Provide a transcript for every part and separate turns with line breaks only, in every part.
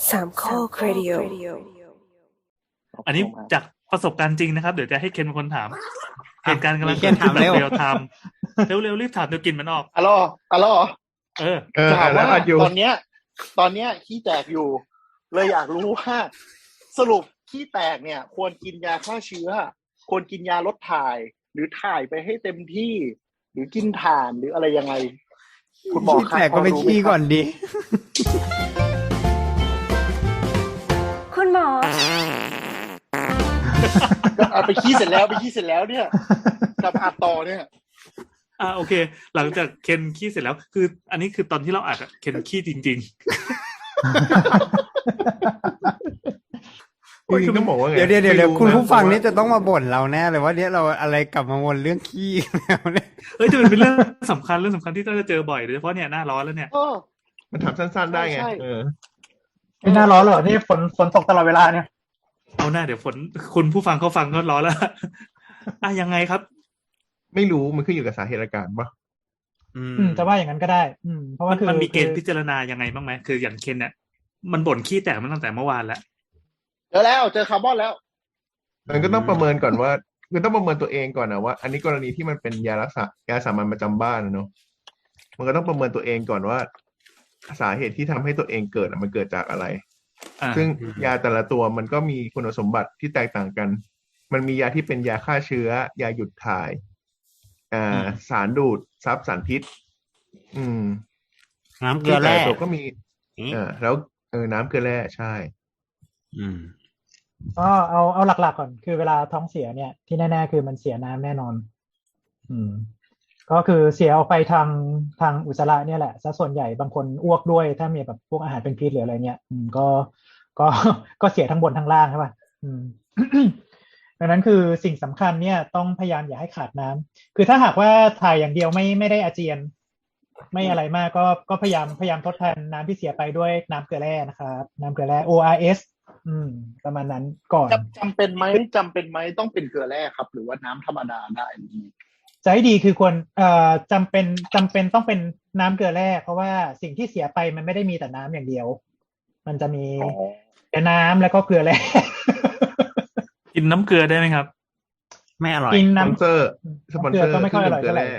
สามข้อครดิโอ
อันนี้จากประสบการณ์จริงนะครับเดี๋ยวจะให้เคนเป็นคนถามเหตุการณ์กำลัง
เคนถามเร็ว
เรียลไทม์เร็วรีบถามเดี๋ยวกินมันออก
อ๋อถามว่าตอนเนี้ยขี้แตกอยู่เลยอยากรู้ว่าสรุปขี้แตกเนี่ยควรกินยาฆ่าเชื้อควรกินยาลดถ่ายหรือถ่ายไปให้เต็มที่หรือกินถ่านหรืออะไรยังไงคุณหมอครับ
ขี้แตกก็ไปขี้ก่อนดิ
คุณหมอ
ก็เอาไปขี้เสร็จแล้วเนี่ยกับอัดต่อเนี่ย
โอเคหลังจากเคนขี้เสร็จแล้วคืออันนี้คือตอนที่เราอัดเคนขี้จริง
คือต้องบอกว่าไง
เดี๋ยวคุณผู้ฟังนี่จะต้องมาบ่นเราแน่เลยว่าเนี่ยเราอะไรกลับมาวนเรื่องขี้แล้วเนี่ย
จะเป็นเรื่องสำคัญที่ต้องจะเจอบ่อยโดยเฉพาะเนี่ยหน้าร้อนแล้วเนี่ย
มันถามสั้นๆได้ไง
ไม่หน้าร้อนหรอนี่ฝนตกตลอดเวลาเนี่ย
เอาหน้าเดี๋ยวฝนคุณผู้ฟังเขาฟังก็ร้อนแล้วยังไงครับ
ไม่รู้มันขึ้นอยู่กับสาเหตุอาการป่ะ
จะว่าอย่างนั้นก็ได้เพราะว่า
มันมีเกณฑ์พิจารณายังไงบ้างไหมคืออย่างเคนเนี่ยมันบ่นขี้แตกมันตั้งแต่เมื่อวานแล้ว
เจอคาร์บอนแล้ว
มันก็ต้องประเมินก่อนว่าคือต้องประเมินตัวเองก่อนนะว่าอันนี้กรณีที่มันเป็นยาสามัญประจำบ้านนะเนาะมันก็ต้องประเมินตัวเองก่อนว่าสาเหตุที่ทำให้ตัวเองเกิดมันเกิดจากอะไรซึ่งยาแต่ละตัวมันก็มีคุณสมบัติที่แตกต่างกันมันมียาที่เป็นยาฆ่าเชื้อยาหยุดถ่ายสารดูดซับสารพิษ
น้ำเกลือแร่
ตัวก็มีแล้วน้ำเกลือแร่ใช่
เอาหลักๆก่อนคือเวลาท้องเสียเนี่ยที่แน่ๆคือมันเสียน้ำแน่นอนก็คือเสียออกไปทางอุจจาระเนี่ยแหละซะส่วนใหญ่บางคนอ้วกด้วยถ้ามีแบบพวกอาหารเป็นพิษหรืออะไรเนี่ยก็เสียทั้งบนทั้งล่างใช่ป่ะดังนั้นคือสิ่งสำคัญเนี่ยต้องพยายามอย่าให้ขาดน้ำคือถ้าหากว่าถ่ายอย่างเดียวไม่ได้อาเจียนไม่อะไรมากก็พยายามทดแทนน้ำที่เสียไปด้วยน้ำเกลือแร่นะครับน้ำเกลือแร่ ORS ประมาณนั้นก่อน
จำเป็นไหมต้องเป็นเกลือแร่ครับหรือว่าน้ำธรรมดาได้
ใจดีคือควรจำเป็นต้องเป็นน้ำเกลือแร่เพราะว่าสิ่งที่เสียไปมันไม่ได้มีแต่น้ำอย่างเดียวมันจะมีแต่น้ำแล้วก็เกลือแร่
กินน้ำเกลือได้ไหมครับ
ไม่อร่อย
กินน้
ำสปอนเซอร์
ก็ไม่ค่อยอร่อยเท่าไหร่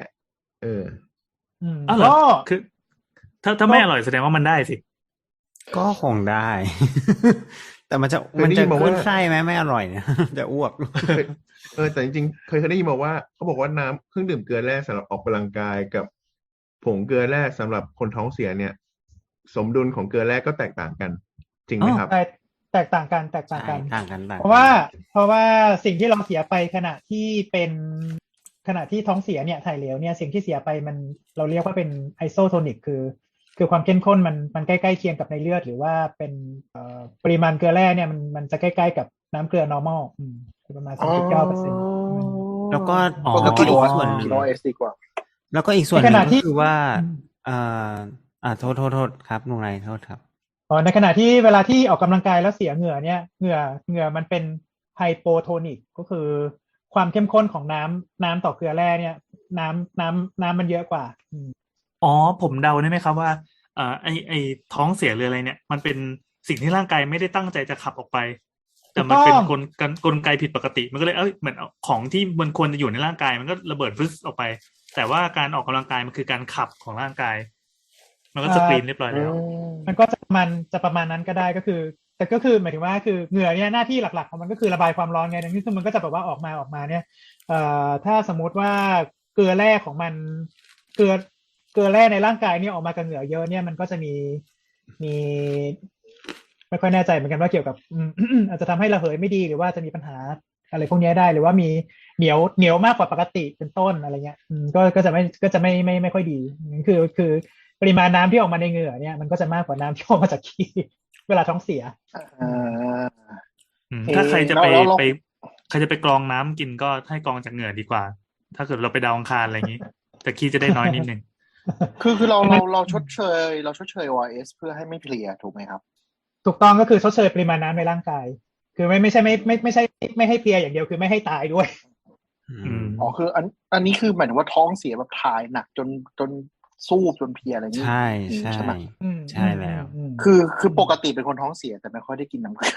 เหรอคือถ้าไม่อร่อยแสดงว่ามันได้สิ
ก็คงได้ แต่มันจะขึ้นไส้ไหมไม่อร่อยเนี่ยจะอ้วก
แต่จริงๆเคยได้ยินมาว่าเขาบอกว่าน้ำเครื่องดื่มเกลือแร่สำหรับออกกำลังกายกับผงเกลือแร่สำหรับคนท้องเสียเนี่ยสมดุลของเกลือแร่ก็แตกต่างกันจริงไหมครับ
แตกต่างกันเพราะว่าสิ่งที่เราเสียไปขณะที่ท้องเสียเนี่ยถ่ายเหลวเนี่ยสิ่งที่เสียไปมันเราเรียกว่าเป็นไอโซโทนิกคือความเข้มข้นมันใกล้ๆเคียงกับในเลือดหรือว่าเป็นปริมาณเกลือแร่เนี่ยมันจะใกล้ๆกับน้ำเกลือ normal ประมาณ 39%
แล้วก็อีกส่วนนึงแล้วก็อีกส่วนนึงก็คือว่าโทษครับลุงไรโทษครับ
ในขณะที่เวลาที่ออกกำลังกายแล้วเสียเหงื่อเนี่ยเหงื่อมันเป็นไฮโปโทนิกก็คือความเข้มข้นของน้ำต่อเกลือแร่เนี่ยน้ำมันเยอะกว่า
ผมเดาได้ไหมครับว่าไอท้องเสียหรืออะไรเนี่ยมันเป็นสิ่งที่ร่างกายไม่ได้ตั้งใจจะขับออกไปแต่มันเป็นกลไกผิดปกติมันก็เลยเหมือนของที่มันควรจะอยู่ในร่างกายมันก็ระเบิดฟึ๊สออกไปแต่ว่าการออกกำลังกายมันคือการขับของร่างกายมันก็สกรีนเรียบร้อยแล้ว
มันก็จะประมาณนั้นก็ได้ก็คือแต่ก็คือหมายถึงว่าคือเหงื่อเนี่ยหน้าที่หลักๆของมันก็คือระบายความร้อนไงดังนั้นคือมันก็จะแบบว่าออกมาเนี่ยถ้าสมมติว่าเกลือแร่ของมันเกลือแร่ในร่างกายเนี่ยออกมากับเหงื่อเยอะเนี่ยมันก็จะมีไม่ค่อยแน่ใจเหมือนกันว่าเกี่ยวกับอาจจะทำให้ระเหยไม่ดีหรือว่าจะมีปัญหาอะไรพวกนี้ได้หรือว่ามีเหนียวมากกว่าปกติเป็นต้นอะไรเงี้ยก็จะไม่ค่อยดีคือปริมาณน้ำที่ออกมาในเหงื่อเนี่ยมันก็จะมากกว่าน้ำที่ออกมาจากขี้เวลาท้องเสีย
ถ้าใครจะไปกรองน้ำกินก็ให้กรองจากเหงื่อดีกว่าถ้าเกิดเราไปดาวอังคารอะไรอย่างนี้แต่ขี้จะได้น้อยนิดนึง
คือเราชดเชย ORS เพื่อให้ไม่เพลียถูกไหมครับ
ถูกต้องก็คือชดเชยปริมาณน้ำในร่างกายคือไม่ใช่ไม่ให้เพลียอย่างเดียวคือไม่ให้ตายด้วย
คืออันนี้คือหมายถึงว่าท้องเสียแบบถ่ายหนักจนสู้จนเพลียอะไรอย่างนี้
ใช่
ใช่ไหม
ใช่แล้ว
คือปกติเป็นคนท้องเสียแต่ไม่ค่อยได้กินน้ำเกลือ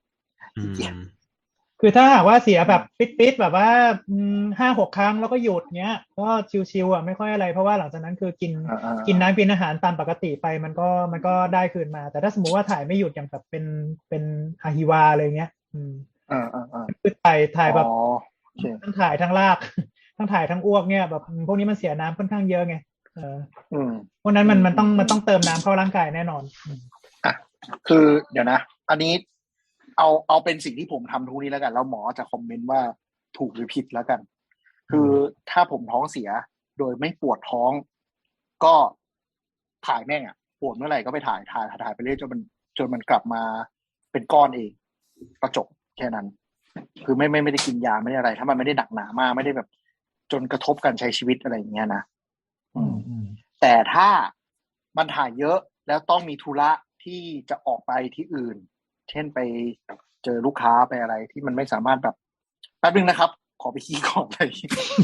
คือถ้าหากว่าเสียแบบปิดแบบว่า5-6 ครั้งแล้วก็หยุดเงี้ยก็ชิวๆอ่ะไม่ค่อยอะไรเพราะว่าหลังจากนั้นคือกินน้ำกินอาหารตามปกติไปมันก็ได้คืนมาแต่ถ้าสมมุติว่าถ่ายไม่หยุดอย่างแบบเป็นอะฮิวาอะไรเงี้ยคือถ่ายแบบทั้งถ่ายทั้งลากทั้งถ่ายทั้งอ้วกเนี่ยแบบพวกนี้มันเสียน้ำค่อนข้างเยอะไงเพราะนั้นมันต้องเติมน้ำเข้าร่างกายแน่นอน
คือเดี๋ยวนะอันนี้เอาเป็นสิ่งที่ผมทำทุกนี้แล้วกันแล้วหมอจะคอมเมนต์ว่าถูกหรือผิดแล้วกันคือถ้าผมท้องเสียโดยไม่ปวดท้องก็ถ่ายแม่งอ่ะปวดเมื่อไหร่ก็ไปถ่ายไปเรื่อยจนมันกลับมาเป็นก้อนเองก็จบแค่นั้นคือไม่ได้กินยาไม่ได้อะไรถ้ามันไม่ได้หนักหนามากไม่ได้แบบจนกระทบการใช้ชีวิตอะไรอย่างเงี้ยนะแต่ถ้ามันถ่ายเยอะแล้วต้องมีธุระที่จะออกไปที่อื่นเช่นไปเจอลูกค้าไปอะไรที่มันไม่สามารถแบบแป๊บนึงนะครับขอไปขี้ก่อนเลย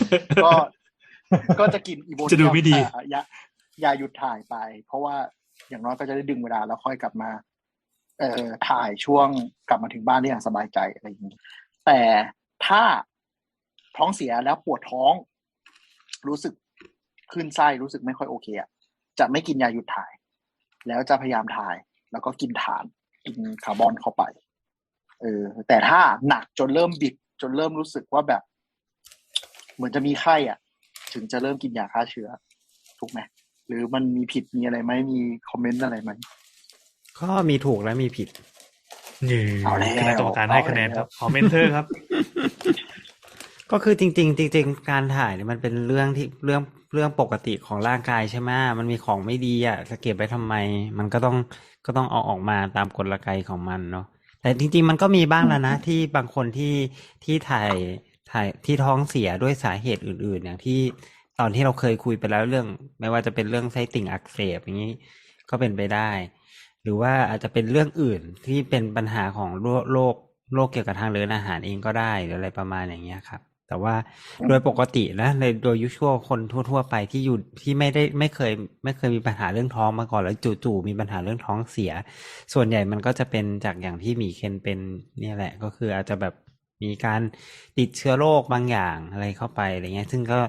ก็จะกินอีโบเนียมจะดูไม่ดียาหยุดถ่ายไปเพราะว่าอย่างน้อยก็จะได้ดึงเวลาแล้วค่อยกลับมาถ่ายช่วงกลับมาถึงบ้านได้อย่างสบายใจอะไรอย่างนี้แต่ถ้าท้องเสียแล้วปวดท้องรู้สึกคลื่นไส้รู้สึกไม่ค่อยโอเคอ่ะจะไม่กินยาหยุดถ่ายแล้วจะพยายามถ่ายแล้วก็กินถ่านกินคาร์บอนเข้าไปแต่ถ้าหนักจนเริ่มบิดจนเริ่มรู้สึกว่าแบบเหมือนจะมีไข้อ่ะถึงจะเริ่มกินยาฆ่าเชื้อถูกไหมหรือมันมีผิดมีอะไรไหมมีคอมเมนต์อะไรไหม
ก็มีถูกและมีผิด
คณะกรรมการให้คะแนนครับคอมเมนเตอร์ครับ
ก็คือจริงการถ่ายเนี่ยมันเป็นเรื่องที่เรื่องปกติของร่างกายใช่ไหมมันมีของไม่ดีอ่ะจะเก็บไว้ทำไมมันก็ต้องเอาออกมาตามกลไกของมันเนาะแต่จริงๆมันก็มีบ้างแล้วนะที่บางคนที่ถ่ายที่ท้องเสียด้วยสาเหตุอื่นๆอย่างที่ตอนที่เราเคยคุยไปแล้วเรื่องไม่ว่าจะเป็นเรื่องไส้ติ่งอักเสบอย่างนี้ก็เป็นไปได้หรือว่าอาจจะเป็นเรื่องอื่นที่เป็นปัญหาของโรคเกี่ยวกับทางเดินอาหารเองก็ได้หรืออะไรประมาณอย่างเงี้ยครับแต่ว่าโดยปกตินะโดยยุชวลคนทั่วๆไปที่อยู่ที่ไม่เคยมีปัญหาเรื่องท้องมาก่อนแล้วจู่ๆมีปัญหาเรื่องท้องเสียส่วนใหญ่มันก็จะเป็นจากอย่างที่หมีเคนเป็นเนี่ยแหละก็คืออาจจะแบบมีการติดเชื้อโรคบางอย่างอะไรเข้าไปอะไรเงี้ยซึ่งก็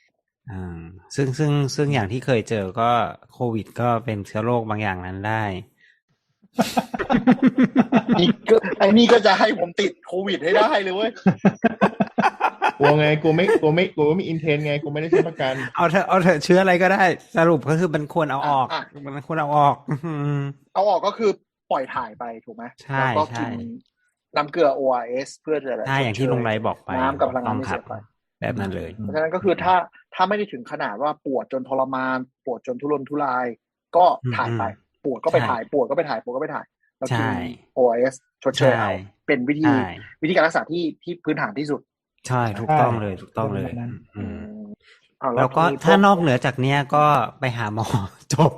ซึ่งอย่างที่เคยเจอก็โควิดก็เป็นเชื้อโรคบางอย่างนั้นได้
นี่ก็จะให้ผมติดโควิดให้ได้เลยเว้ย
กลัวไงกูไม่มีอินเทนไงกูไม่ได้ใช้ประกัน
เอาเถอะเชื้ออะไรก็ได้สรุปก็คือมันควรเอาออกมันควรเอาออก
เอาออกก็คือปล่อยถ่ายไปถูกไหม
ใช่
แล้วก็กินน้ำเกลือ ORS เพื่อจะ
ใช่อย่างที่ลุงไรบอกไป
น้ำกับพลังงานที่เสียไป
แบบนั้นเลย
เพราะฉะนั้นก็คือถ้าไม่ได้ถึงขนาดว่าปวดจนทรมานปวดจนทุรนทุรายก็ถ่ายไปปวดก็ไปถ่ายปวดก็ไปถ่ายแล้วกิน ORS ชดเชยเอาเป็นวิธีการรักษาที่พื้นฐานที่สุด
ใช่ถูกต้องเลยแล้วก็ถ้านอกเหนือจากเนี้ยก็ไปหาหมอจบ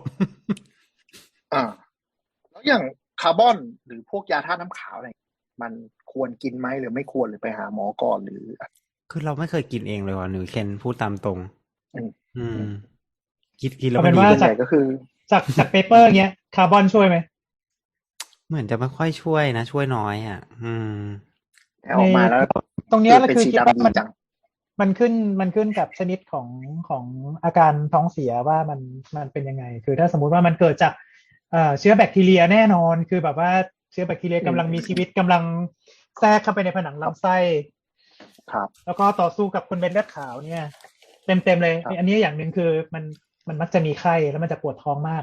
แล้วอย่างคาร์บอนหรือพวกยาธาตุน้ำขาวอะไรมันควรกินไหมหรือไม่ควรหรือไปหาหมอก่อนหรือ
คือเราไม่เคยกินเองเลยว่ะหนูเคนพูดตามตรงกิน
แล้วเป็นว่าจากเปเปอร์เงี้ยคาร์บอนช่วยไหม
เหมือนจะไม่ค่อยช่วยนะช่วยน้อยอ่ะ
ออกมาแล้ว
ตรงนี้ก็คือคิดว่ามันขึ้นกับชนิดของอาการท้องเสียว่ามันเป็นยังไงคือถ้าสมมุติว่ามันเกิดจากเชื้อแบคทีเรียแน่นอนคือแบบว่าเชื้อแบคทีเรียกำลังมีชีวิตกำลังแทรกเข้าไปในผนังลำไส้
ครับ
แล้วก็ต่อสู้กับคนเป็นเลือดขาวเนี่ยเต็มเลยอันนี้อย่างหนึ่งคือมันมักจะมีไข้แล้วมันจะปวดท้องมาก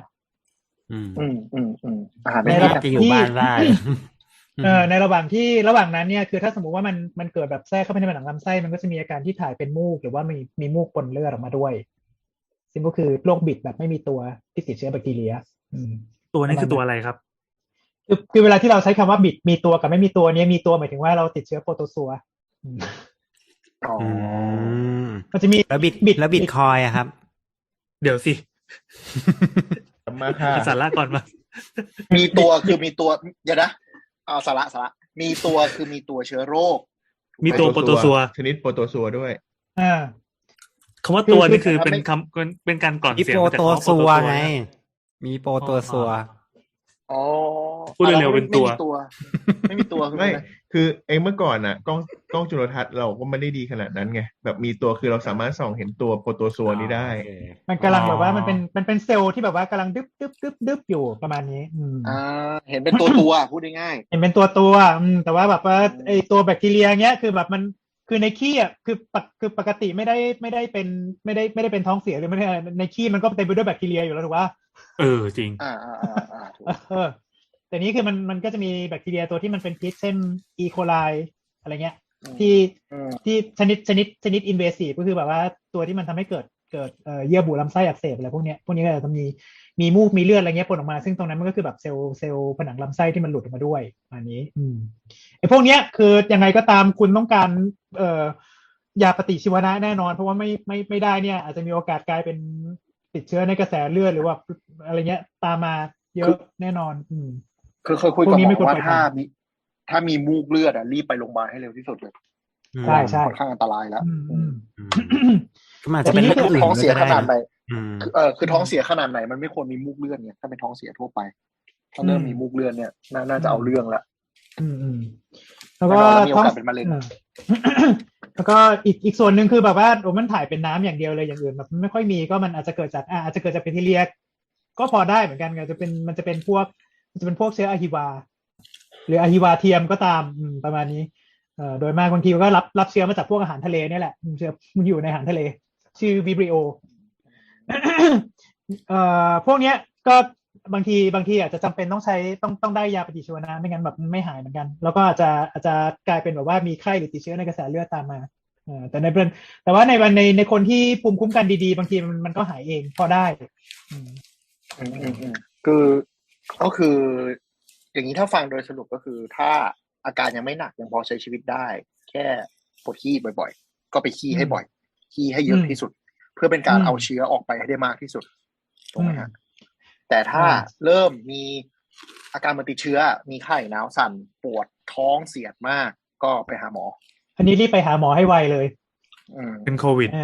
ในระหว่างที่อยู่บ้านได้
ในระหว่างนั้นเนี่ยคือถ้าสมมุติว่ามันเกิดแบบแทรกเข้าไปในผนังลำไส้มันก็จะมีอาการที่ถ่ายเป็นมูกหรือว่ามีมูกปนเลือดออกมาด้วยซึ่งก็คือโรคบิดแบบไม่มีตัวที่ติดเชื้อแบคทีเรีย
ตัวนี้คือตัวอะไรครับ
คือเวลาที่เราใช้คำว่าบิดมีตัวกับไม่มีตัวนี้มีตัวหมายถึงว่าเราติดเชื้อโปรโตซัวมันจะมี
แล้วบิตคอยอะครับ
เดี๋ยวสิ
มาค่ะ
สาระก่อนมา
มีตัวคือมีตัวเดี๋ยวนะสาระมีตัวคือมีตัวเชื้อโรค
มีตัวโปรโตซัว
ชนิดโปรโตซัวด้วย
คำว่าตัวนี่คือเป็นคำเป็นการกล่อน
มี
เสียง
โปร
มาจาก
ตัว
คำว่า
ซัว
โปร
ไง
นะ
มีโปรตัวซัว
อ๋อ
พูดเร็วๆเป็นตัว
ไม่มีตัวคือ
ไม่
อะไร
คือเมื่อก่อนกล้องจุลทรรศน์เราก็ไม่ได้ดีขนาดนั้นไงแบบมีตัวคือเราสามารถส่องเห็นตัวโปรโตซัวนี้ได้
โอเค
มันกำลังแบบว่ามันเป็นเซลล์ที่แบบว่ากำลังดึบอยู่ประมาณนี้
เห็นเป็นตัวพูดง่าย
เห็นเป็นตัวแต่ว่าแบบว่าไอตัวแบคทีเรียเงี้ยคือแบบมันคือในขี้อ่ะคือปกติไม่ได้เป็นท้องเสียหรือไม่ได้อะไรในขี้มันก็เต็มไปด้วยแบคทีเรียอยู่แล้วถูกป่ะ
จริง
ถูก
แต่นี้คือมันก็จะมีแบคทีเรียตัวที่มันเป็นพิษเช่นอีโคไลอะไรเงี้ยที่ชนิดอินเวซีฟก็คือแบบว่าตัวที่มันทำให้เกิดเยื่อบุลำไส้อักเสบอะไรพวกเนี้ยก็จะมีมูกมีเลือดอะไรเงี้ยปนออกมาซึ่งตรงนั้นมันก็คือแบบเซลล์ผนังลำไส้ที่มันหลุดออกมาด้วยอันนี้ไอ้พวกเนี้ยคือยังไงก็ตามคุณต้องการยาปฏิชีวนะแน่นอนเพราะว่าไม่ได้เนี่ยอาจจะมีโอกาสกลายเป็นติดเชื้อในกระแสเลือดหรือว่าอะไรเงี้ยตามมาเยอะแน่นอน
คือเคยคุยกับหมอว่าถ้ามีมูกเลือดรีบไปโรงพยาบาลให้เร็วที่สุดเลย
ใช่
ค่อนข้างอันตรายแล้ว
ก็อาจจะเป็นเรื่องอื่น
ท้องเสียขนาดไหน
คือ
ท้องเสียขนาดไหนมันไม่ควรมีมูกเลือดเนี่ยถ้าเป็นท้องเสียทั่วไปถ้าเริ่มมีมูกเลือดเนี่ยน่าจะเอาเรื่องละ
แล้วก็
มีโอกาสเป็นมะเร็ง
แล้วก็อีกส่วนหนึ่งคือแบบว่ามันถ่ายเป็นน้ำอย่างเดียวเลยอย่างอื่นแบบไม่ค่อยมีก็มันอาจจะเกิดจากแบคทีเรียก็พอได้เหมือนกันมันจะเป็นพวกเชื้ออะฮิวาหรืออะฮิวาเทียมก็ตามประมาณนี้โดยมากบางทีก็รับเชื้อมาจากพวกอาหารทะเลนี่แหละเชื้อมันอยู่ในอาหารทะเลชื่อวิบริโอ พวกเนี้ยก็บางทีอาจจะจำเป็นต้องได้ยาปฏิชีวนะไม่งั้นแบบไม่หายเหมือนกันแล้วก็อาจจะกลายเป็นแบบว่ามีไข้หรือติดเชื้อในกระแสเลือดตามมาแต่ว่าในคนที่ภูมิคุ้มกันดีๆบางทีมันก็หายเองพอได้
ก็คืออย่างนี้ถ้าฟังโดยสรุปก็คือถ้าอาการยังไม่หนักยังพอใช้ชีวิตได้แค่ปวดขี้บ่อยๆก็ไปขี้ให้บ่อยขี้ให้เยอะที่สุดเพื่อเป็นการเอาเชื้อออกไปให้ได้มากที่สุดถูกไหมฮะแต่ถ้าเริ่มมีอาการมันติดเชื้อมีไข้หนาวสั่นปวดท้องเสียดมากก็ไปหาหมอ
อันนี้รีบไปหาหมอให้ไวเลย
เป็นโควิด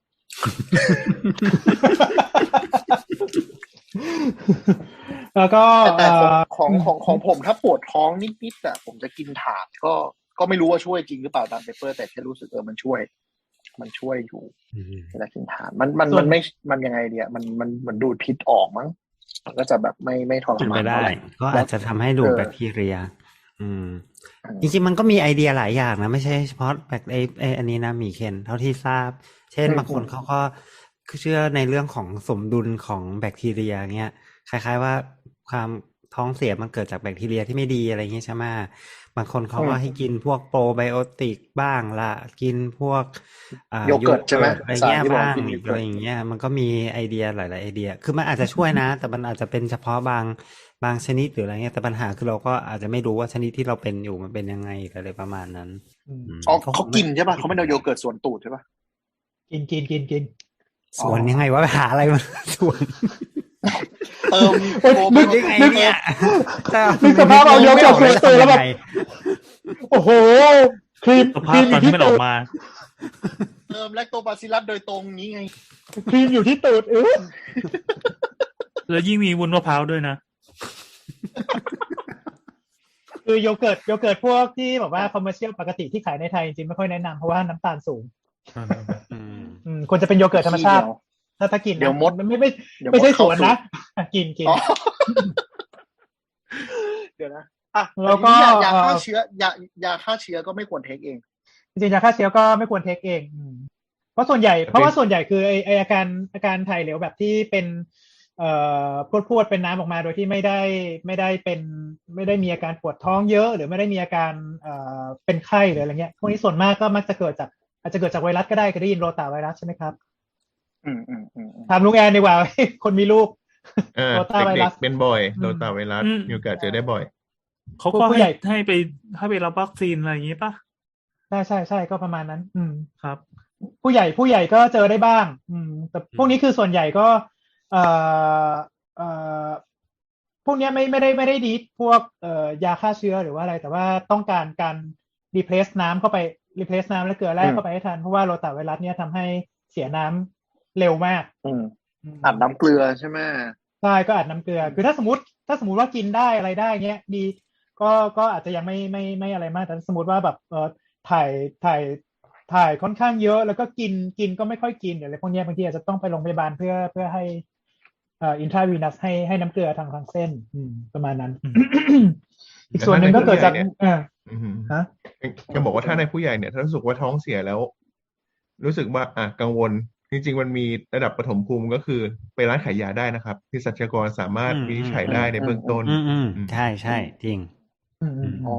แล้วก็
แต่ของผมถ้าปวดท้องนิดๆอ่ะผมจะกินถ่านก็ไม่รู้ว่าช่วยจริงหรือเปล่าตามเปเปอร์แต่แค่รู้สึกมันช่วยอยู่เวลากินถ่านมันยังไงเนี่ยมันเหมือนดูดพิษออกมั้งมันก็จะแบบไม่ทรมาน
ได้ก็อาจจะทำให้ดูดแบคทีเรียจริงๆมันก็มีไอเดียหลายอย่างนะไม่ใช่เฉพาะแบบอันนี้นะมีเคนเท่าที่ทราบเช่นบางคนเขาก็เชื่อในเรื่องของสมดุลของแบคทีเรียเงี้ยคล้ายๆว่าความท้องเสียมันเกิดจากแบคทีเรียที่ไม่ดีอะไรเงี้ยใช่ไหมบางคนเขาก็ให้กินพวกโปรไบโอติกบ้างละกินพวก
โยเกิร์ตใช่ไหม
อะไรเงี้ยบ้างอะไรอย่างเงี้ยมันก็มีไอเดียหลายๆไอเดียคือมันอาจจะช่วยนะแต่มันอาจจะเป็นเฉพาะบางชนิดหรืออะไรเงี้ยแต่ปัญหาคือเราก็อาจจะไม่รู้ว่าชนิดที่เราเป็นอยู่มันเป็นยังไงอะไรประมาณนั้น
เขากินใช่ป่ะเขาไม่เอาโยเกิร์ตส่วนตูดใช่ป่ะ
กิน
ส่วนยังไงว่าไปหาอะไรมาส่วน
นึก
ยังไงเนี่ย
นึกสภาพเอาโยเกิร์ตส่วนตูดแล้วแบบโอ้โหครีม
ตอนที่มันออกมา
เติมแลคโตบาซิลลัสโดยตรงนี้ไง
ครีมอยู่ที่ตูด
แล้วยิ่งมีวุ้นมะพร้าวด้วยนะ
คือโยเกิร์ตพวกที่แบบว่าคอมเมอร์เชียลปกติที่ขายในไทยจริงๆไม่ค่อยแนะนำเพราะว่าน้ำตาลสูงควรจะเป็นโยเกิร์ตธรรมชาติถ้ากิน
เดี๋ยวมด
ไม่ใช่สวนนะกิน
เดี๋ยวนะ
แล้วก็
ยาฆ่าเชื้อก็ไม่ควรเทคเอง
จริงๆยาฆ่าเชื้อก็ไม่ควรเทคเองเพราะว่าส่วนใหญ่คือไออาการถ่ายเหลวแบบที่เป็นพรวดเป็นน้ำออกมาโดยที่ไม่ได้มีอาการปวดท้องเยอะหรือไม่ได้มีอาการเป็นไข้หรืออะไรเงี้ยพวกนี้ส่วนมากก็มักจะอาจจะเกิดจากไวรัสก็ได้เคยได้ยินโรตาไวรัสใช่ไหมครับถามลุงแอนดีกว่าคนมีลูก
โรตาไวรัสเป็นบ่อยโรตาไวรัสมีโอกาสเจอได้บ่อย
เขาก็ให้ไปรับวัคซีนอะไรอย่างนี้ป่ะ
ใช่ก็ประมาณนั้น
ครับ
ผู้ใหญ่ก็เจอได้บ้างแต่พวกนี้คือส่วนใหญ่ก็พวกนี้ไม่ได้ดีพวกยาฆ่าเชื้อหรือว่าอะไรแต่ว่าต้องการreplace น้ำเข้าไปreplace น้ำและเกลือแร่เข้าไปให้ทันเพราะว่าโรตาไวรัสเนี่ยทำให้เสียน้ำเร็วมาก
อัดน้ำเกลือใช่ไหม
ใช่ก็อัดน้ำเกลือคือถ้าสมมติว่ากินได้อะไรได้เงี้ยดีก็อาจจะยังไม่อะไรมากแต่สมมติว่าแบบถ่ายถ่ายค่อนข้างเยอะแล้วก็กินก็ไม่ค่อยกินอะไรพวกเนี้ยบางทีอาจจะต้องไปโรงพยาบาลเพื่อให้อินทราวีนัสให้น้ำเกลือทางเส้นประมาณนั้น อีกส่วนหนึ่งก็เกิดจาก
ฮะจะบอกว่าถ้าในผู้ใหญ่เนี่ยถ้ารู้สึกว่าท้องเสียแล้ว รู้สึกว่ากังวลจริงๆมันมีระดับปฐมภูมิก็คือไปร้านขายยาได้นะครับเภสัชกรสามารถวินิจฉัยได้ในเบื้องต้น
ใช่จริง
อ๋อ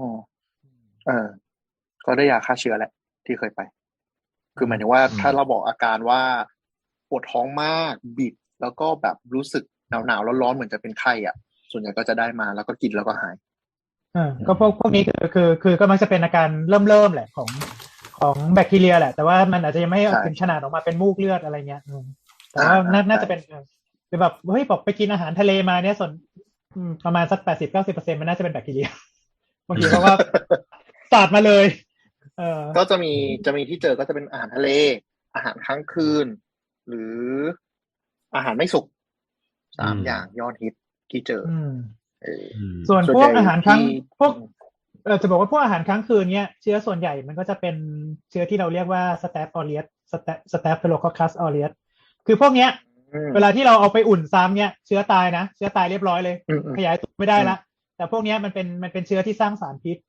ก็ได้ยาฆ่าเชื้อแหละที่เคยไปคือหมายถึงว่าถ้าเราบอกอาการว่าปวดท้องมากบิดแล้วก็แบบรู้สึกหนาวร้อนๆเหมือนจะเป็นไข้อ่ะส่วนใหญ่ก็จะได้มาแล้วก็กินแล้วก็หาย
ก็พวกนี้คือก็มักจะเป็นอาการเริ่มแหละของแบคทีเรียแหละแต่ว่ามันอาจจะยังไม่ถึงขนาดออกมาเป็นมูกเลือดอะไรเงี้ยแต่ว่าน่าจะเป็นคือแบบเฮ้ยบอกไปกินอาหารทะเลมาเนี่ยส่วนประมาณสัก80-90%มันน่าจะเป็นแบคทีเรียบางทีเพราะว่าสาดมาเลย
ก็จะมีที่เจอก็จะเป็นอาหารทะเลอาหารค้างคืนหรืออาหารไม่สุก3อย่างยอดฮิตที่เจอ
ส่วนพวกอาหารค้างพวกจะบอกว่าพวกอาหารค้างคืนเนี้ยเชื้อส่วนใหญ่มันก็จะเป็นเชื้อที่เราเรียกว่า Staph aureus Staphylococcus aureus คือพวกเนี้ยเวลาที่เราเอาไปอุ่นซ้ำเนี้ยเชื้อตายนะเชื้อตายเรียบร้อยเลยขยายตัวไม่ได้ละแต่พวกเนี้ยมันเป็นเชื้อที่สร้างสารพิษ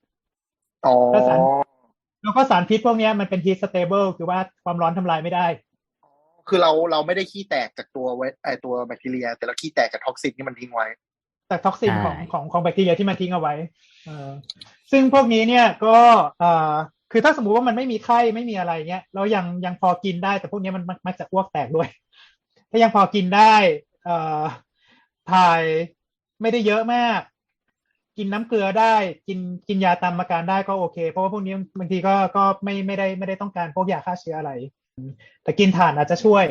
แล้วก็สารพิษพวกเนี้ยมันเป็น heat stable คือว่าความร้อนทำลายไม่ได้
คือเราไม่ได้ขี้แตกจากตัวตัวแบคทีเรียแต่เราขี้แตกจากท็อกซินที่มันทิ้งไว้
จากท็อกซินของแบคทีเรียที่มันทิ้งเอาไว้ซึ่งพวกนี้เนี่ยก็คือถ้าสมมุติว่ามันไม่มีไข้ไม่มีอะไรเงี้ยแล้วยังพอกินได้แต่พวกนี้มันมักจะอ้วกแตกด้วยถ้ายังพอกินได้ถ่ายไม่ได้เยอะมากกินน้ำเกลือได้กินยาตามอาการได้ก็โอเคเพราะว่าพวกนี้บางทีก็ไม่ได้ต้องการพวกยาฆ่าเชื้ออะไรแต่กินถ่านอาจจะช่วย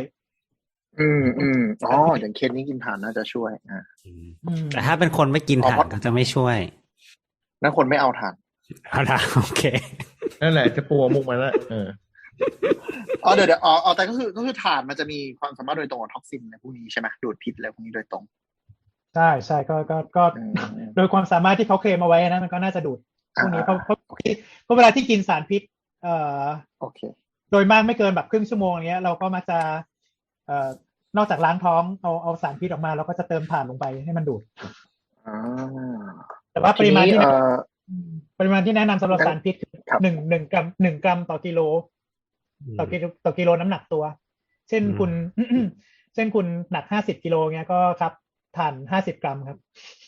อย่างเคสนี้กินถ่านน่าจะช่วย
แต่ถ้าเป็นคนไม่กินถ่านก็จะไม่ช่วย
นั่นคนไม่เอาถ่าน
โอเค
นั่นแหละจะปัวมุกมาแล้ว
เดี๋ยวแต่ก็คือถ่านมันจะมีความสามารถโดยตรงกับท็อกซินในพวกนี้ใช่ไหมดูดพิษอะไรพวกนี้โดยตรง
ใช่ก็โดยความสามารถที่เขาเคลมเอาไว้นะมันก็น่าจะดูดพวกนี้เพราะเวลาที่กินสารพิษ
โอเค
โดยมากไม่เกินแบบครึ่งชั่วโมงเนี้ยเราก็มักจะนอกจากล้างท้องเอาสารพิษออกมาเราก็จะเติมถ่านลงไปให้มันดูดแต่ว่าปริมาณที่แนะนำสำหรับสารพิษคือ1 กรัมต่อกิโลต่อกิโลน้ำหนักตัวเช่นคุณหนัก50 กิโลเงี้ยก็ครับถ่าน50 กรัมครับ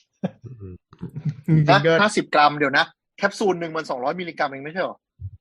50 กรัมเดี๋ยวนะแคปซูลนึงมัน200 มิลลิกรัมเองไม่ใช่หรอ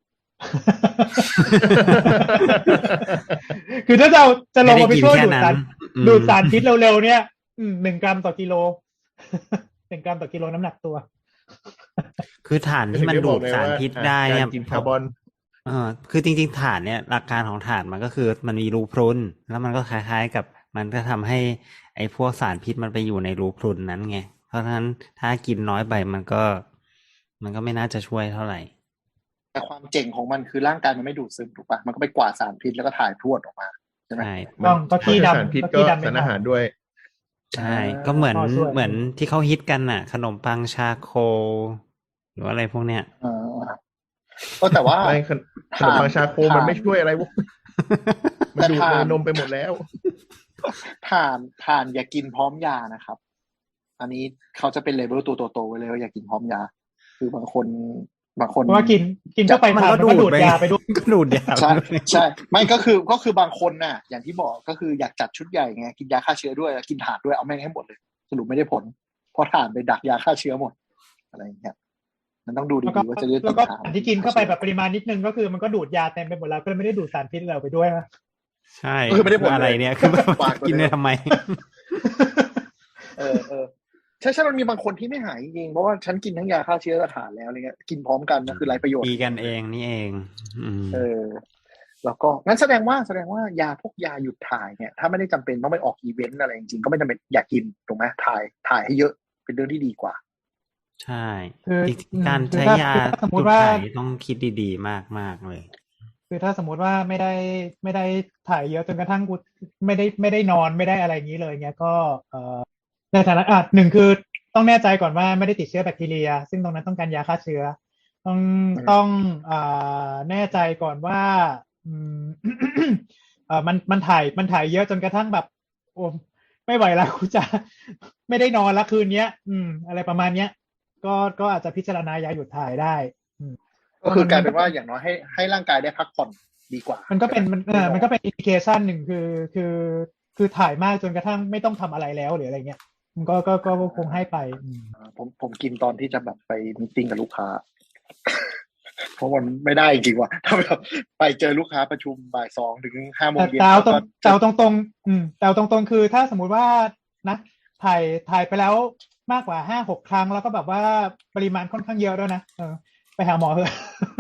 คือถ้าจะลงมาไปช่วยดูดสารพิษเร็วๆเนี่ย1 กรัมต่อกิโล1 กรัมต่อกิโลน้ำหนักตัว
คือถ่านที่มันดูดสารพิษได้เนี่ย
คาร์บอน
คือจริงๆถ่านเนี่ยหลักการของถ่านมันก็คือมันมีรูพรุนแล้วมันก็คล้ายๆกับมันก็ทำให้ไอ้พวกสารพิษมันไปอยู่ในรูพรุนนั้นไงเพราะฉะนั้นถ้ากินน้อยไปมันก็ไม่น่าจะช่วยเท่าไหร่
แต่ความเจ๋งของมันคือร่างกายมันไม่ดูดซึมถูกปะมันก็ไปกวาดสารพิษแล้วก็ถ่ายพรวดออกมาใช่ไหม
ก็ขี้ดำ
สารพิษก็สารอาหารด้วย
ใช่ก็เหมือนที่เขาฮิตกันน่ะขนมปังชาโคหรืออะไรพวกเนี้ย
ก็แต่ว่า
ขนมปังชาโคมันไม่ช่วยอะไรวะมันดูดนมไปหมดแล้ว
ถ่านอย่ากินพร้อมยานะครับอันนี้เขาจะเป็นเลเวลตัวโตๆไว้เลยว่าอย่ากินพร้อมยาคือบางคน
เพราะว่ากินเข้าไปมันก็ดูดยาไปด้วย
ก็ดูดยา
ใช่ไม่ก็คือบางคนน่ะอย่างที่บอกก็คืออยากจัดชุดใหญ่ไงกินยาฆ่าเชื้อด้วยกินถ่านด้วยเอาแม่งให้หมดเลยสรุปไม่ได้ผลเพราะถ่านไปดักยาฆ่าเชื้อหมดอะไรอย่างเงี้ยมันต้องดูดีๆว่าจะเลือก
แล้วก็ที่กินเข้าไปแบบปริมาณนิดนึงก็คือมันก็ดูดยาเต็มไปหมดแล้วก็เลยไม่ได้ดูดสารพิษเราไปด้วยนะ
ใช่คือไม่ได้ผลอะไรเนี่ยคือกินได้ทำไม
ใช่มันมีบางคนที่ไม่หายจริงเพราะว่าฉันกินทั้งยาฆ่าเชื้อและถ่านแล้วอะไรเงี้ยกินพร้อมกันก็คือไรประโยชน์
ดีกันเองนี่เอง
แล้วก็งั้นแสดงว่ายาพวกยาหยุดถ่ายเนี่ยถ้าไม่ได้จำเป็นต้องไปออกอีเวนต์อะไรจริงๆก็ไม่จำเป็นอยากกินถูกไหมถ่ายให้เยอะเป็นเรื่องที่ดีกว่า
ใช่การใช้ยาหยุดถ่ายต้องคิดดีๆมากๆเลย
คือถ้าสมมติว่าไม่ได้ถ่ายเยอะจนกระทั่งกูไม่ได้นอนไม่ได้อะไรอย่างนี้เลยเงี้ยก็ในฐานะหนึ่งคือต้องแน่ใจก่อนว่าไม่ได้ติดเชื้อแบคทีเรียซึ่งตรงนั้นต้องการยาฆ่าเชื้อต้องต้องแน่ใจก่อนว่าอืม มันถ่ายเยอะจนกระทั่งแบบโอ้ไม่ไหวแล้วกูจะไม่ได้นอนละคืนเนี้ยอะไรประมาณเนี้ยก็อาจจะพิจารณายาหยุดถ่ายได้
ก็คือกลายเป็นว่าอย่างน้อยให้ร่างกายได้พักผ่อนดีกว่า
มันก็เป็นมันก็เป็นอินดิเคชันหนึ่งคือถ่ายมากจนกระทั่งไม่ต้องทำอะไรแล้วหรืออะไรเงี้ยมันก็คงให้ไป
ผมกินตอนที่จะแบบไปมีตติ้งกับลูกค้าเพราะมันไม่ได้จริงว่ะถ้าแบบไปเจอลูกค้าประชุมบ่าย 2 ถึง 5 โมงเย็น
แต่เอาตรงคือถ้าสมมุติว่านะถ่ายไปแล้วมากกว่า 5-6 ครั้งแล้วก็แบบว่าปริมาณค่อนข้างเยอะด้วยนะไปหาหมอเถอะ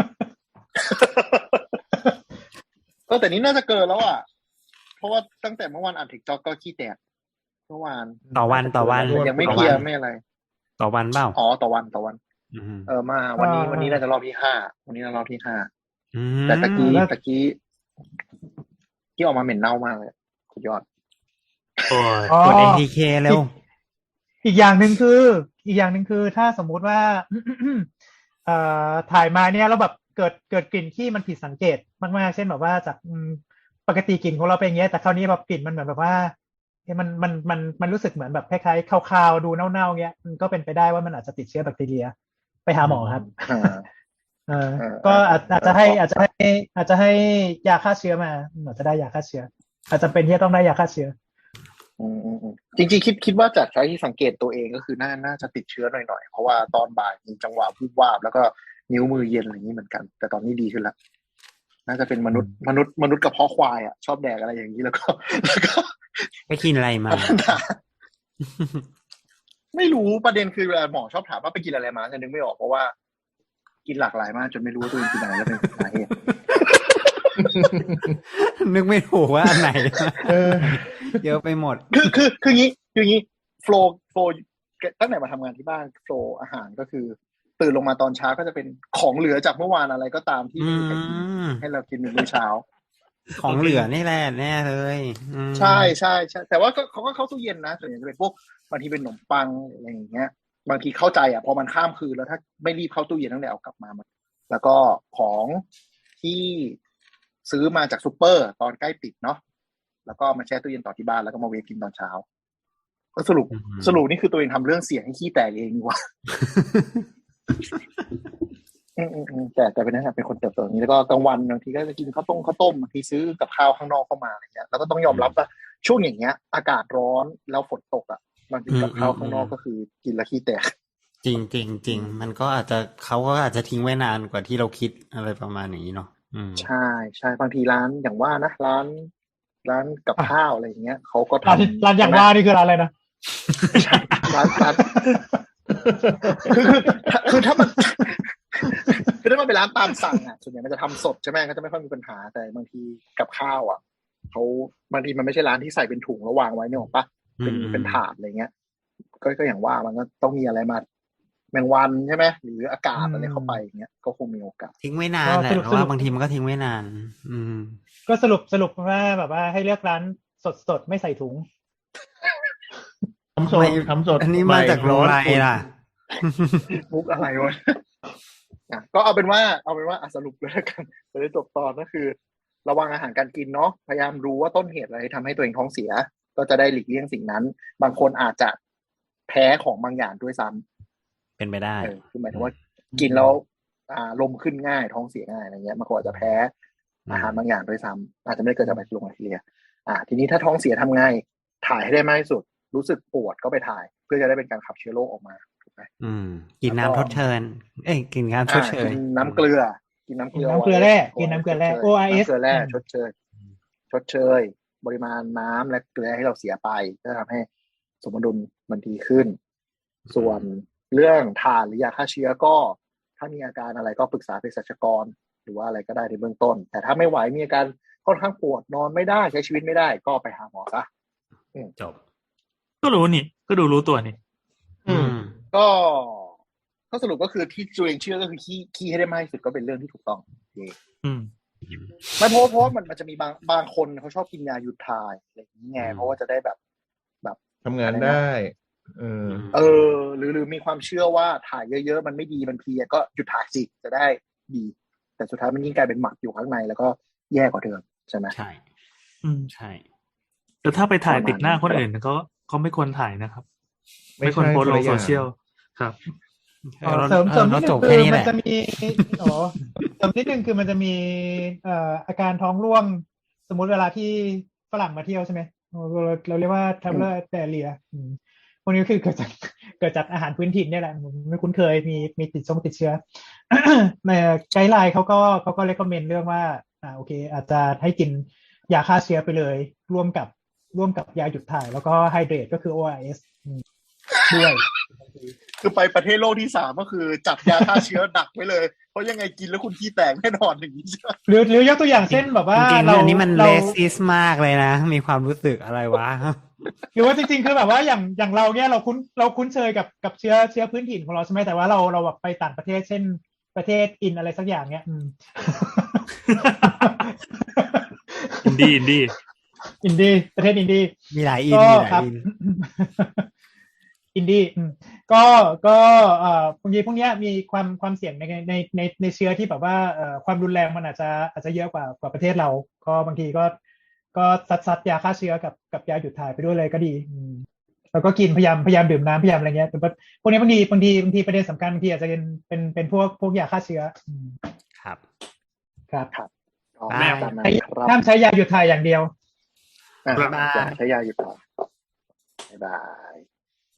แต่นี้น่าจะเกินแล้วอ่ะเพราะว่าตั้งแต่เมื่อวานอ่านทิกจ็อกก็ขี้แตกเมื่อวาน
ต่อวัน
ยังไม่เคลียร์ไม่อะไร
ต่อวันเปล่า
ต่อวันมาวันนี้น่าจะรอบที่ 5วันนี้น่ารอบที่ 5แต่ตะกี้ที่ออกมาเหม็นเน่ามากเลยสุดยอด
กด ATK เร็ว
อีกอย่างหนึ่งคือถ้าสมมุติว่าถ่ายมาเนี่ยแล้วแบบเกิดกลิ่นที่มันผิดสังเกตมากๆเช่นแบบว่าจากปกติกลิ่นของเราเป็นอย่างเงี้ยแต่คราวนี้แบบกลิ่นมันเหมือนแบบว่ามันรู้สึกเหมือนแบบคล้ายๆคาวๆดูเน่าๆเงี้ยมันก็เป็นไปได้ว่ามันอาจจะติดเชื้อแบคทีเรียไปหาหมอครับก็อาจจะให้ยาฆ่าเชื้อมาอาจจะได้ยาฆ่าเชื้ออาจจะเป็นที่ต้องได้ยาฆ่าเชื้อ
จริงๆคิดว่าจากที่สังเกตตัวเองก็คือน่าจะติดเชื้อหน่อยๆเพราะว่าตอนบ่ายมีจังหวะวูบวาบแล้วก็นิ้วมือเย็นอะไรอย่างนี้เหมือนกันแต่ตอนนี้ดีขึ้นแล้วน่าจะเป็นมนุษย์กระเพาะควายอ่ะชอบแดกอะไรอย่างนี้แล้วก็
ไปกินอะไรมา
ไม่รู้ประเด็นคือเวลาหมอชอบถามว่าไปกินอะไรมาจะนึกไม่ออกเพราะว่ากินหลากหลายมากจนไม่รู้ว่าตัวเองกินอะไรแล้วเป็นสาเหตุ
นึกไม่ถูกว่าอันไหนเยอะไปหมด
คืองี้โฟล์ตั้งแต่มาทำงานที่บ้านโฟล์อาหารก็คือตื่นลงมาตอนเช้าก็จะเป็นของเหลือจากเมื่อวานอะไรก็ตามที่ไม่มีใครกินให้เรากินมื้อเช้า
ของเหลือนี่แหละแน่เลย
ใช่แต่ว่าเขาก็เข้าตู้เย็นนะส่วนใหญ่จะเป็นพวกบางทีเป็นขนมปังอะไรอย่างเงี้ยบางทีเข้าใจอ่ะพอมันข้ามคืนแล้วถ้าไม่รีบเข้าตู้เย็นตั้งแต่เอากลับมาแล้วก็ของที่ซื้อมาจากซุปเปอร์ตอนใกล้ปิดเนาะแล้วก็มาแช่ตู้เย็นต่อที่บ้านแล้วก็มาเวฟกินตอนเช้าก็สรุปนี่คือตัวเองทำเรื่องเสี่ยงให้ขี้แตกเองนี่วะแต่เป็นนะครับเป็นคนเติบโตอย่างนี้แล้วก็กลางวันบางทีก็จะกินข้าวต้มบางทีซื้อกับข้าวข้างนอกเข้ามาอะไรเงี้ยแล้วก็ต้องยอมรับว่าช่วงอย่างเงี้ยอากาศร้อนแล้วฝนตกอ่ะบางทีกับข้าวข้างนอกก็คือกินแล้วขี้แตก
จริงมันก็อาจจะเขาก็อาจจะทิ้งไว้นานกว่าที่เราคิดอะไรประมาณนี้เนาะ
ใช่บางทีร้านอย่างว่านะร้านกับข้าวอะไรอย่างเงี้ยเขาก็ท
ำร้านอย่างว่านี่คือร้านอะไรนะ
ร้านคือถ้ามันเป็นร้านตามสั่งอ่ะส่วนใหญ่มันจะทำสดใช่ไหมก็จะไม่ค่อยมีปัญหาแต่บางทีกับข้าวอ่ะเขาบางทีมันไม่ใช่ร้านที่ใส่เป็นถุงแล้ววางไว้เนี่ยหรอกปะเป็นถาดอะไรเงี้ยก็อย่างว่ามันก็ต้องมีอะไรมาแมงวันใช่ไหมหรืออากาศอะไรเข้าไปอย่างเงี้ยก็คงมีโอกาส
ทิ้งไว้นานแหละเพราะว่าบางทีมันก็ทิ้งไว้นาน
ก็สรุปว่าแบบว่าให้เลือกร้านสดไม่ใส่ถุง
ทำสด
อันนี้มาจากโรงไรล่ะ
มุกอะไรวะก็เอาเป็นว่าสรุปเลยกันจะได้จบตอนก็คือระวังอาหารการกินเนาะพยายามรู้ว่าต้นเหตุอะไรทำให้ตัวเองท้องเสียก็จะได้หลีกเลี่ยงสิ่งนั้นบางคนอาจจะแพ้ของบางอย่างด้วยซ้ำ
เป็นไปได้
คือหมายถึงว่ากินแล้วลมขึ้นง่ายท้องเสียง่ายอะไรเงี้ยบางคนอาจจะแพ้อาหารบางอย่างด้วยซ้ำอาจจะไม่ได้เกิดจากแบคทีเรียทีนี้ถ้าท้องเสียทำไงถ่ายให้ได้มากที่สุดรู้สึกปวดก็ไปถ่ายเพื่อจะได้เป็นการขับเชื้อโรคออกมา
กินน้ำทดเชยกินน้ำชดเชย
กินน้ำเกลือกินน้ำเกลือ
แร่กินน้ำเกลือแร่ ORS
เกลือแร่ชดเชยปริมาณน้ำและเกลือให้เราเสียไปก็ทำให้สมดุลมันดีขึ้นส่วนเรื่องทานหรือยาฆ่าเชื้อก็ถ้ามีอาการอะไรก็ปรึกษาเภสัชกรหรือว่าอะไรก็ได้ในเบื้องต้นแต่ถ้าไม่ไหวมีอาการค่อนข้างปวดนอนไม่ได้ใช้ชีวิตไม่ได้ก็ไปหาหมอซะ
จบ
ก็รู้นี่ก็รู้ตัวนี่
ก็สรุปก็คือที่ตัวเองเชื่อก็คือขี้ให้ได้มากที่สุดก็เป็นเรื่องที่ถูกต้องไม่เพราะว่ามันจะมีบางคนเขาชอบกินยาหยุดถ่ายอะไรอย่างนี้ไงเพราะว่าจะได้แบบ
ทำงานได้
หรือมีความเชื่อว่าถ่ายเยอะๆมันไม่ดีมันเพลียก็หยุดถ่ายสิจะได้ดี แต่สุดท้ายมันยิ่งกลายเป็นหมักอยู่ข้างในแล้วก็แย่กว่าเดิมใช่ไหม
ใช่ใช่
แต่ถ้าไปถ่ายติดหน้าคนอื่นก็ไม่ควรถ่ายนะครับ ไม่ควรโพสต์ลงโซเชียลครับ
เสริมนิดนึง
จบ
คื
แค่
อ
นี้แห
มัน
ละ
จะมีเสริมนิดนึงคือมันจะมีอาการท้องร่วงสมมุติเวลาที่ฝรั่งมาเที่ยวใช่ไหมเราเรียกว่า traveler diarrhea พวกนี้คือเกิดจากอาหารพื้นถิ่นเนี่ยแหละผมไม่คุ้นเคยมีติดเชื้อ ในไกด์ไลน์เขาก็ recommend เรื่องว่าโอเคอาจจะให้กินยาฆ่าเชื้อไปเลยร่วมกับยาหยุดถ่ายแล้วก็ไฮเดรตก็คือ ORS ด้วย
คือไปประเทศโลกที่3ก็คือจัดยาฆ่าเชื้อดักไว้เลยเพราะยังไงกินแล้วคุณขี้แตกแน่นอนอย่างนี้ใช่ไหม
หรือยกตัวอย่างเช่นแบบว่า
จริงๆ
เรา
อันนี้มันเลสิสมากเลยนะมีความรู้สึกอะไรวะ
หรือว่าจริงๆคือแบบว่าอย่างเราเนี่ยเราคุ้นเคยกับเชื้อพื้นถิ่นของเราใช่ไหมแต่ว่าเราแบบไปต่างประเทศเช่นประเทศอินอะไรสักอย่างเนี่ย
อินดี้
ประเทศอินดี้
มีหลายอิน
ก็
มีหลาย
ครับ
อิน
อินดี้ก็บางทีพวกเนี้ยมีความเสี่ยงในเชื้อที่แบบว่าความรุนแรงมันอาจจะเยอะกว่าประเทศเราก็บางทีก็ซัดยาฆ่าเชื้อกับยาหยุดถ่ายไปด้วยเลยก็ดีแล้วก็กินพยายามดื่มน้ำพยายามอะไรเงี้ยแต่พวกนี้บางทีประเด็นสำคัญบางทีอาจจะเป็นพวกยาฆ่าเชื้อ
ครับ
ครับ
ไม่
ห้ามใช้ยาหยุดถ่ายอย่างเดียว
อย่าใช้ยาหยุดถ่ายบ๊ายบาย